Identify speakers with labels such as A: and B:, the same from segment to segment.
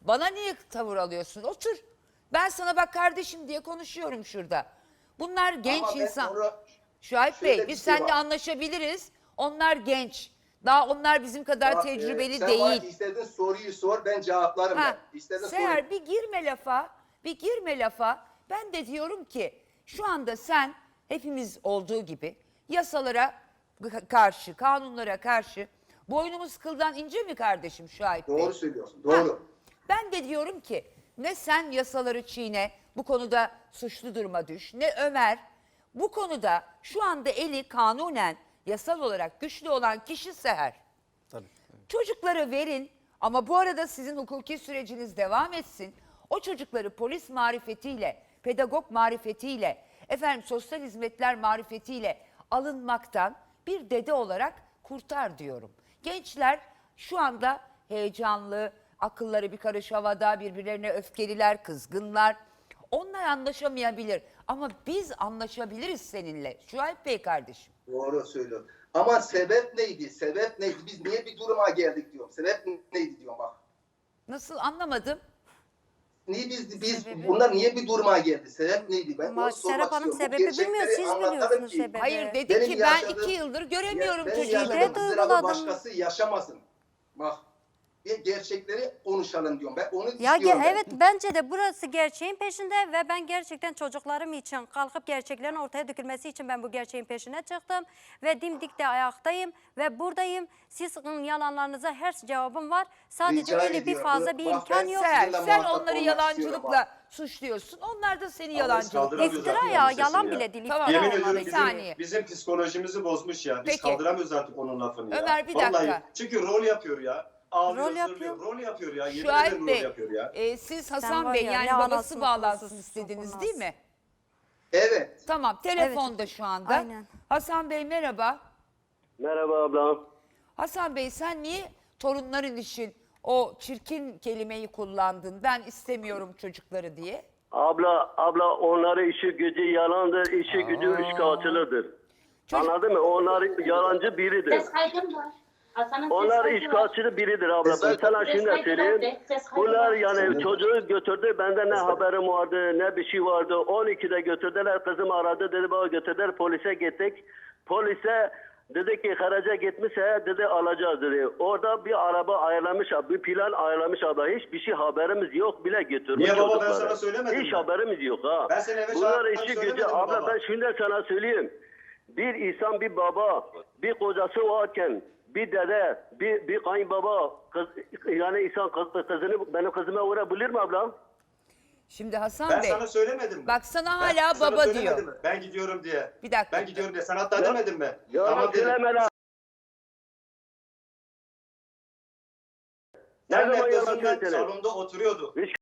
A: Bana niye tavır alıyorsun? Otur. Ben sana bak kardeşim diye konuşuyorum şurada. Bunlar genç
B: Ama ben
A: insan.
B: sonra
A: Şuayb
B: şöyle
A: Bey
B: bir
A: biz
B: şey
A: seninle
B: var.
A: anlaşabiliriz. Onlar genç. Daha onlar bizim kadar
B: Bak,
A: tecrübeli
B: sen bana
A: değil.
B: istediğin soruyu sor, ben cevaplarım.
A: Ha,
B: Ben. İstediğin
A: Seher
B: soruyu.
A: bir girme lafa. Bir girme lafa. Ben de diyorum ki şu anda sen hepimiz olduğu gibi yasalara karşı, kanunlara karşı boynumuz kıldan ince mi kardeşim Şuayb Bey?
B: Doğru söylüyorsun, doğru.
A: Ha, ben de diyorum ki ne sen yasaları çiğne, bu konuda suçlu duruma düş, ne Ömer. Bu konuda şu anda eli kanunen yasal olarak güçlü olan kişi Seher.
C: Tabii.
A: Çocukları verin ama bu arada sizin hukuki süreciniz devam etsin. O çocukları polis marifetiyle, pedagog marifetiyle, sosyal hizmetler marifetiyle alınmaktan bir dede olarak kurtar diyorum. Gençler şu anda heyecanlı, akılları bir karış havada, birbirlerine öfkeliler, kızgınlar. Onlar anlaşamayabilir ama biz anlaşabiliriz seninle. Şuayb Bey kardeşim.
B: Doğru söylüyorsun. Ama sebep neydi? Sebep neydi? Biz niye bir duruma geldik diyorum. Sebep neydi diyorum bak.
A: Nasıl anlamadım?
B: Niye biz
A: Sebebi?
B: bunlar niye bir duruma geldi? Sebep neydi? Ben
D: Ama
B: onu sormak
D: Serap Hanım
B: istiyorum. Bu
D: sebebi bilmiyor,
B: gerçekleri
D: siz
B: anlatalım
D: biliyorsunuz
B: ki-
D: sebebi.
A: Hayır dedi
B: Benim
A: ki ben
B: yaşadığım-
A: 2 yıldır göremiyorum
B: Benim
A: çocuğu.
B: yaşadığım
D: Şiddet
B: ızdırabı
D: uyguladım.
B: başkası yaşamasın. Bak. Bir gerçekleri konuşalım diyorum. Ben onu
D: Ya
B: istiyorum.
D: evet, bence de burası gerçeğin peşinde ve ben gerçekten çocuklarım için kalkıp gerçeklerin ortaya dökülmesi için ben bu gerçeğin peşine çıktım ve dimdik de ayaktayım ve buradayım. Sizin yalanlarınıza her cevabım var. Sadece
B: Rica
D: öyle bir
B: ediyorum.
D: fazla bir
B: Bak,
D: imkan
B: ben
D: yok.
A: Sen
B: Sizinle muhatap
A: onları
B: olmak
A: yalancılıkla suçluyorsun. Onlar da seni yalancılıkla.
E: kaldıramıyoruz
D: İftira
E: zaten
D: ya,
E: onun
D: yalan
E: sesini
D: bile
E: ya.
D: değil.
A: Tamam.
D: İftira
E: Yemin
D: olmalı.
E: ediyorum
A: Bir saniye.
E: bizim psikolojimizi bozmuş ya. Biz
A: Peki.
E: kaldıramıyoruz artık onun lafını ya.
A: Ömer, bir
E: Vallahi.
A: dakika.
E: Çünkü rol yapıyor ya. Ağlıyor,
D: Rol yapıyor.
E: Rol yapıyor ya. Yemin
A: Şuayb
E: ederim rol
A: Bey,
E: yapıyor ya.
A: siz
D: Sen
A: Hasan
D: var
A: Bey
D: ya,
A: yani
D: ne
A: babası
D: anasını
A: bağlansın
D: kurusu
A: istediniz
D: sokulmaz.
A: değil mi?
B: Evet.
A: Tamam, telefonda şu anda.
D: Aynen.
A: Hasan Bey merhaba.
F: Merhaba ablam.
A: Hasan Bey sen niye torunların için o çirkin kelimeyi kullandın? Ben istemiyorum çocukları diye.
F: Abla onların işi gücü yalandır, işi gücü üçkağıtçılıdır.
A: Çocuk-
F: Anladın mı? Onlar yalancı biridir.
G: Ses kaydım var. Hasan'ın ses
F: Onlar
G: kaydı var.
F: işgalçı biridir abla. Ben
B: Ses
F: sana
G: kaydı
F: şimdi
G: var,
F: söyleyeyim.
G: ses kaydı
F: Bunlar
G: var.
F: yani çocuğu götürdü. Bende ne haberim vardı, ne bir şey vardı. 12'de götürdüler. Kızım aradı. Dedi bana götürdüler. Polise gittik. Polise dedi ki haraca gitmişse dedi alacağız dedi. Orada bir araba ayarlamış, bir plan ayarlamış abla. Hiçbir şey haberimiz yok bile götürmüş
E: Niye baba, ben
F: çocukları.
E: sana söylemedim
F: Hiç
E: mi?
F: haberimiz yok ha.
E: Ben seni eve
F: Bunlar
E: çağırdım,
F: işi
E: söylemedim
F: gücü
E: mi
F: abla,
E: baba?
F: ben şimdi sana söyleyeyim. Bir insan, bir baba, bir kocası varken bir dede, bir kayınbaba, kız, yani insan kızını benim kızıma vurabilir mi ablam?
A: Şimdi Hasan
E: Ben
A: Bey
E: sana söylemedim mi?
A: bak sana
E: Ben
A: hala
E: sana
A: baba
E: söylemedim
A: diyor.
E: mi? Ben gidiyorum diye.
A: Bir dakika.
E: Ben gidiyorum diye. Sen hatta demedin mi?
F: Ya
E: Tamam dedim.
F: söyleme lan. Ne
E: Sen
F: zaman yalan
E: gözünden
F: söyledi?
E: salonda oturuyordu.
F: Hiç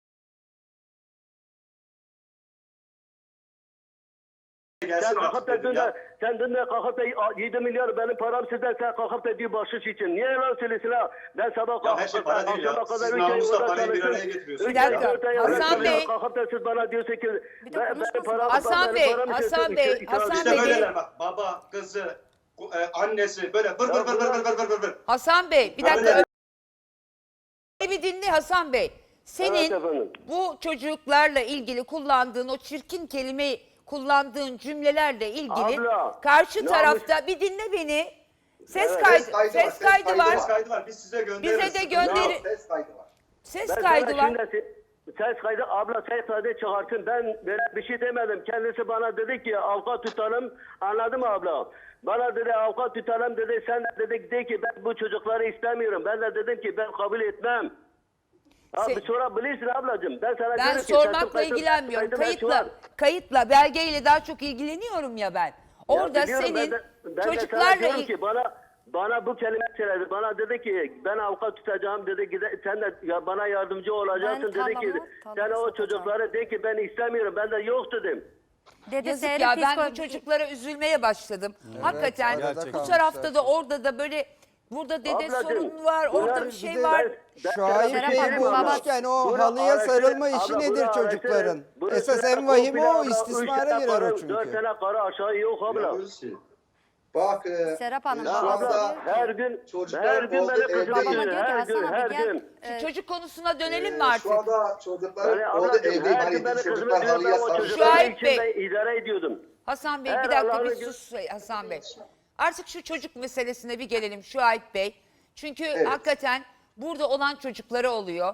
E: Gelsin
F: Sen kalkıp
E: artık
F: da
E: dedim ya.
F: sen dün de kalkıp da 7 milyar benim param sizden, sen kalkıp da bir bahşiş için. Niye yalan söylüyorsun ha? Ben sabah
E: Ya her şey para değil ya. Siz namusla parayı bir araya getiriyorsunuz.
A: Bir dakika. Hasan Bey.
F: Kalkıp da siz bana diyorsun ki
D: Bir de
F: benim
D: konuşmasın.
F: param,
A: Hasan Bey, Hasan Bey, Hasan
E: İşte
A: Bey.
E: böyleler bak. Baba, kızı, annesi böyle vır vır vır vır vır vır vır vır.
A: Hasan Bey bir dakika.
E: Öyle.
A: Bir dinle Hasan Bey. Senin
F: Evet efendim.
A: bu çocuklarla ilgili kullandığın o çirkin kelimeyi kullandığın cümlelerle ilgili
F: Abla,
A: karşı
F: namus-
A: tarafta bir dinle beni. Ses
F: Evet,
A: kaydı,
B: ses kaydı var,
A: ses kaydı
B: ses
A: var.
E: Ses kaydı var. Biz size göndeririz.
A: Bize de gönderi.
B: Ses kaydı var.
A: Ses
F: Ben
A: kaydı
F: sana
A: var.
F: şimdi ses kaydı, abla ses kaydı çıkartın. Ben böyle bir şey demedim. Kendisi bana dedi ki avukat tutalım. Anladın mı abla? Bana dedi avukat tutalım dedi. Sen de ki ben bu çocukları istemiyorum. Ben de dedim ki ben kabul etmem. Abi
A: Se-
F: sorabilirsin ablacığım. Ben sana
A: Ben
F: dedim ki,
A: sormakla
F: kaydı-
A: ilgilenmiyorum.
F: kaydı ben şu an-
A: Kayıtla, belgeyle daha çok ilgileniyorum ya ben.
F: Ya
A: Orada
F: biliyorum,
A: senin
F: ben de sana
A: çocuklarla
F: diyorum ki bana bu kelime söyledi. Bana dedi ki ben avukat tutacağım dedi. Sen de ya bana yardımcı olacaksın
D: Ben
F: dedi ki
D: tamamı
F: sen o
D: satacağım.
F: çocuklara de ki ben istemiyorum. Ben de yok dedim.
D: Dedi
A: yazık
D: Seher'in
A: ya ben bu
D: psikoloji-
A: çocuklara üzülmeye başladım. Hakikaten
C: arada
A: bu tarafta da orada da böyle burada dede
F: Ablacığım,
A: sorun var,
F: bunlar
A: orada bir
F: bir
A: şey
C: de
A: var.
C: Şuayb
D: Serap
C: Bey
D: Hanım,
C: bulmuşken o
F: Bunu
C: halıya
F: araştır-
C: sarılma işi
F: abla,
C: nedir
F: bunu
C: çocukların?
F: araştır. Bunu
C: Esas
F: şöyle
C: en vahimi o,
F: komple abla, üç
C: istismara
F: tane
C: girer o
F: karı,
C: çünkü.
F: 4 tane karı aşağı yok abla.
E: Yapıyoruz ki.
B: Bak
D: Serap Hanım,
B: şu
D: babası
B: anda
D: diyor ki-
F: Her gün
B: çocuklar
F: benim
B: orada
F: kızım
B: evde-
D: Babama
F: gidiyor.
D: diyor ki,
F: Her
D: Hasan
F: gün,
D: abi
F: her
D: gel.
F: gün.
A: Şu çocuk konusuna dönelim mi artık?
B: Şu anda çocuklar
F: Yani
B: orada
F: ablacığım,
B: evde.
F: her
B: Hani
F: gün benim kızımı
B: çocuklar
F: diyor,
B: halıya
F: ben o
B: sarılıyor.
F: çocukların
A: Şahit Bey.
F: içinde idare ediyordum.
A: Hasan Bey
F: Her
A: bir dakika
F: Allah'ın
A: bir
F: gün-
A: sus Hasan Bey. Artık şu çocuk meselesine bir gelelim Şahit Bey. Çünkü hakikaten burada olan çocuklara oluyor.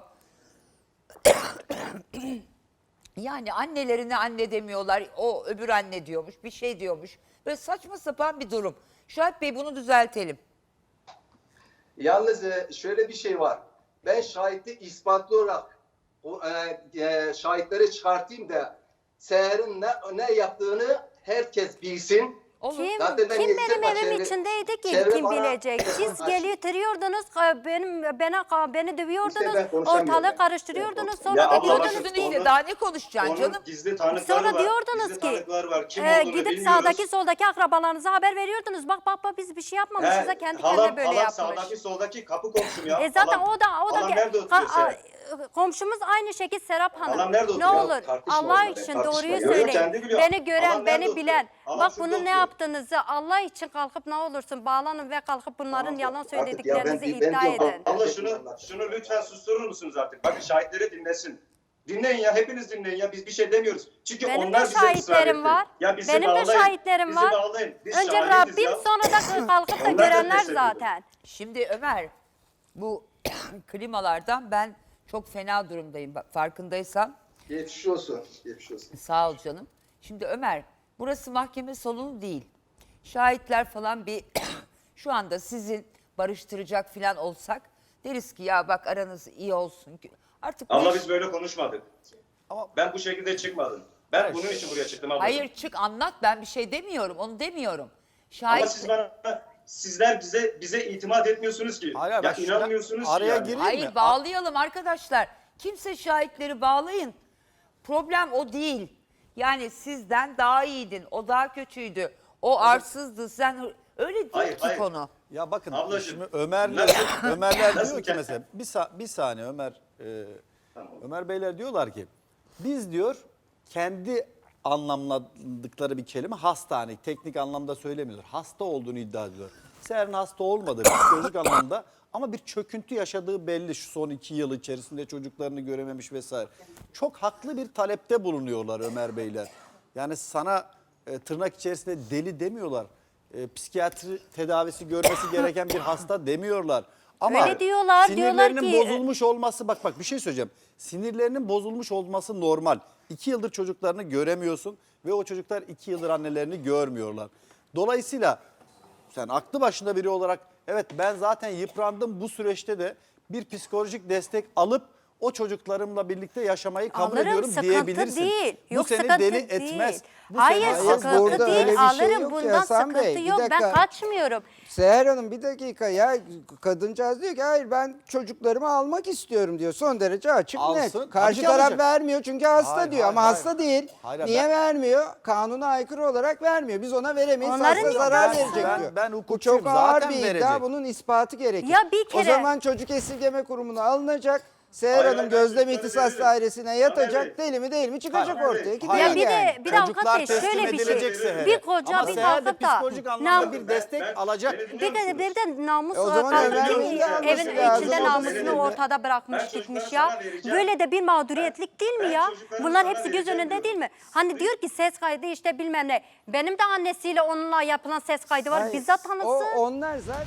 A: Yani annelerine anne demiyorlar. O öbür anne diyormuş. Bir şey diyormuş. Böyle saçma sapan bir durum. Şahit Bey bunu düzeltelim.
B: Yalnız şöyle bir şey var. Ben şahitli ispatlı olarak şahitleri çıkartayım da Seher'in ne yaptığını herkes bilsin.
A: Olur.
D: Kim,
B: Zaten ben
D: kim
B: yetiştim,
D: benim
B: bak
D: evim
B: çevre-
D: içindeydi ki
B: çevre
D: kim
B: bana-
D: bilecek? Siz
B: Bak,
D: getiriyordunuz, beni dövüyordunuz,
B: İşte ben konuşamıyorum.
D: ortalığı karıştırıyordunuz, sonra
E: Ya
D: da
E: abla
D: diyordunuz
A: Konuştun
D: ki
A: işte daha ne konuşacaksın
E: Onun
A: canım?
E: gizli tanıkları
D: sonra
E: var.
D: diyordunuz
E: Gizli
D: ki
E: tanıklar var. Kim olduğunu
D: gidip
E: bilmiyoruz.
D: sağdaki soldaki akrabalarınıza haber veriyordunuz. Bak biz bir şey yapmamışız da kendi kendine böyle yapmış.
E: Sağdaki soldaki kapı komşum ya.
D: Zaten
E: Halam-
D: o da
E: halam nerede oturuyor Seher?
D: komşumuz aynı şekilde Serap Hanım.
E: Halam nerede
D: Ne
E: oturuyor?
D: olur
B: Tartışma
D: Allah
B: onunla,
D: için
B: tartışma.
D: doğruyu
B: Yok,
E: yok,
D: söyleyin.
E: kendi biliyor.
D: Beni gören,
E: Halam nerede
D: beni
E: oturuyor?
D: bilen.
E: Halam
D: Bak
E: şurada
D: bunun ne
E: oturuyor.
D: yaptığınızı Allah için kalkıp ne olursun bağlanın ve kalkıp bunların
B: Tamam,
D: yalan
B: artık ya
D: söylediklerinizi
B: ben
D: iddia
B: diyorum,
D: edin.
E: Allah şunu lütfen susturur musunuz artık? Bakın şahitleri dinlesin. Dinleyin ya, hepiniz dinleyin ya. Biz bir şey demiyoruz. Çünkü
D: Benim
E: onlar
D: de
E: bize ısrar
D: şahitlerim
E: etti.
D: var.
E: Ya bizi
D: Benim de
E: bağlayın,
D: şahitlerim
E: bizi
D: var.
E: bağlayın. Biz
D: Önce
E: şahidiz
D: Rabbim
E: ya.
D: sonra da kalkıp da
E: Onlar da
D: görenler
E: destek ediyor.
D: zaten.
A: Şimdi Ömer bu klimalardan ben çok fena durumdayım. Bak, farkındaysan.
B: Geçmiş olsun. Geçmiş olsun.
A: Sağ ol canım. Şimdi Ömer burası mahkeme salonu değil. Şahitler falan bir şu anda sizin barıştıracak falan olsak deriz ki ya bak aranız iyi olsun. Artık bu
E: Abla
A: iş-
E: biz böyle konuşmadık. Ben bu şekilde çıkmadım. Ben bunun için buraya çıktım abla.
A: Hayır çık anlat ben bir şey demiyorum onu demiyorum.
E: Ama sizler bize itimat etmiyorsunuz ki.
C: Hayır,
E: ya
C: bak şurada
E: inanmıyorsunuz
C: araya
E: ki yani.
C: gireyim
A: Hayır
C: mi?
A: bağlayalım arkadaşlar. Kimse şahitleri bağlayın. Problem o değil. Yani sizden daha iyiydin. O daha kötüydü. O arsızdı. Sen öyle değil
E: Hayır,
A: ki
E: hayır.
A: konu.
C: Ya bakın
E: Ablacığım,
C: şimdi Ömerler
E: Nasıl
C: diyor ki
E: kendi-
C: mesela bir saniye Ömer Beyler diyorlar ki biz diyor kendi anlamladıkları bir kelime hastane teknik anlamda söylemiyorlar. Hasta olduğunu iddia ediyor. Seher'in hasta olmadığı psikolojik anlamda ama bir çöküntü yaşadığı belli şu son 2 yıl içerisinde çocuklarını görememiş vesaire. Çok haklı bir talepte bulunuyorlar Ömer Beyler. Yani sana tırnak içerisinde deli demiyorlar. Psikiyatri tedavisi görmesi gereken bir hasta demiyorlar. Ama
D: Öyle diyorlar,
C: sinirlerinin
D: diyorlar ki-
C: bozulmuş olması bak bir şey söyleyeceğim. Sinirlerinin bozulmuş olması normal. 2 yıldır çocuklarını göremiyorsun ve o çocuklar 2 yıldır annelerini görmüyorlar. Dolayısıyla sen aklı başında biri olarak evet ben zaten yıprandım bu süreçte de bir psikolojik destek alıp o çocuklarımla birlikte yaşamayı kabul
D: Alırım,
C: ediyorum
D: sıkıntı
C: diyebilirsin.
D: değil.
C: Bu
D: Yok,
C: seni
D: sıkıntı
C: deli
D: değil.
C: etmez. Bu
D: Hayır,
C: seni-
D: sıkıntı
H: burada
D: değil.
H: öyle bir şey
D: Alırım
H: yok ki
D: bundan
H: Hasan
D: sıkıntı
H: Bey, bir
D: yok. Ben
H: dakika.
D: kaçmıyorum.
H: Seher Hanım bir dakika ya kadıncağız diyor ki hayır ben çocuklarımı almak istiyorum diyor. Son derece açık
C: Alsın,
H: net.
C: tabii
H: Karşı
C: ki
H: taraf
C: alacak.
H: vermiyor çünkü hasta
C: Hayır,
H: diyor
C: hayır,
H: ama
C: hayır.
H: hasta değil.
C: Hayır,
H: Niye
C: ben-
H: vermiyor? Kanuna aykırı olarak vermiyor. Biz ona veremeyiz.
D: Onların
H: Hasta zarar
D: iddiası.
H: verecek
C: Ben-
H: diyor.
C: ben
H: Bu
C: hukukçuyum,
H: çok ağır
C: zaten
H: bir iddia.
C: verecek.
H: Bunun ispatı gerekir.
D: Ya bir
H: O
D: kere-
H: zaman çocuk esirgeme kurumuna alınacak. Seher
E: Hayır,
H: Hanım
E: hayır,
H: gözlem
E: ben
H: ihtisas
E: veririm.
H: dairesine
E: Tabii,
H: yatacak.
E: evet.
H: Deli mi değil mi çıkacak
E: Hayır,
H: ortaya.
E: evet.
H: Gidecek
D: Ya bir
H: yani.
D: de bir
C: Çocuklar
D: avukat bey
C: teslim
D: şöyle bir
C: edilecek
D: şey.
C: Seher'e.
D: Bir koca
C: Ama
D: bir
C: Seher de
D: kalkıp da
C: psikolojik anlamda bir destek alacak.
E: Beni
D: Bir
E: dinliyor
D: de
E: musunuz?
D: bir de namus
H: O zaman
D: kalkıp
H: Ömer'in de alması
D: evin
H: lazım.
D: içinde
H: O da
D: namusunu
H: seninle.
D: ortada bırakmış
E: Ben
D: gitmiş
E: çocukları
D: ya.
E: sana vereceğim.
D: Böyle de bir mağduriyetlik değil mi
E: Ben
D: ya?
E: çocuklarımı
D: Bunlar
E: sana
D: hepsi göz
E: vereceğim
D: önünde
E: diyorum.
D: değil mi? Hani diyor ki ses kaydı işte bilmem ne. Benim de annesiyle onunla yapılan ses kaydı var.
H: Hayır,
D: Bizzat tanıksın.
H: Onlar zaten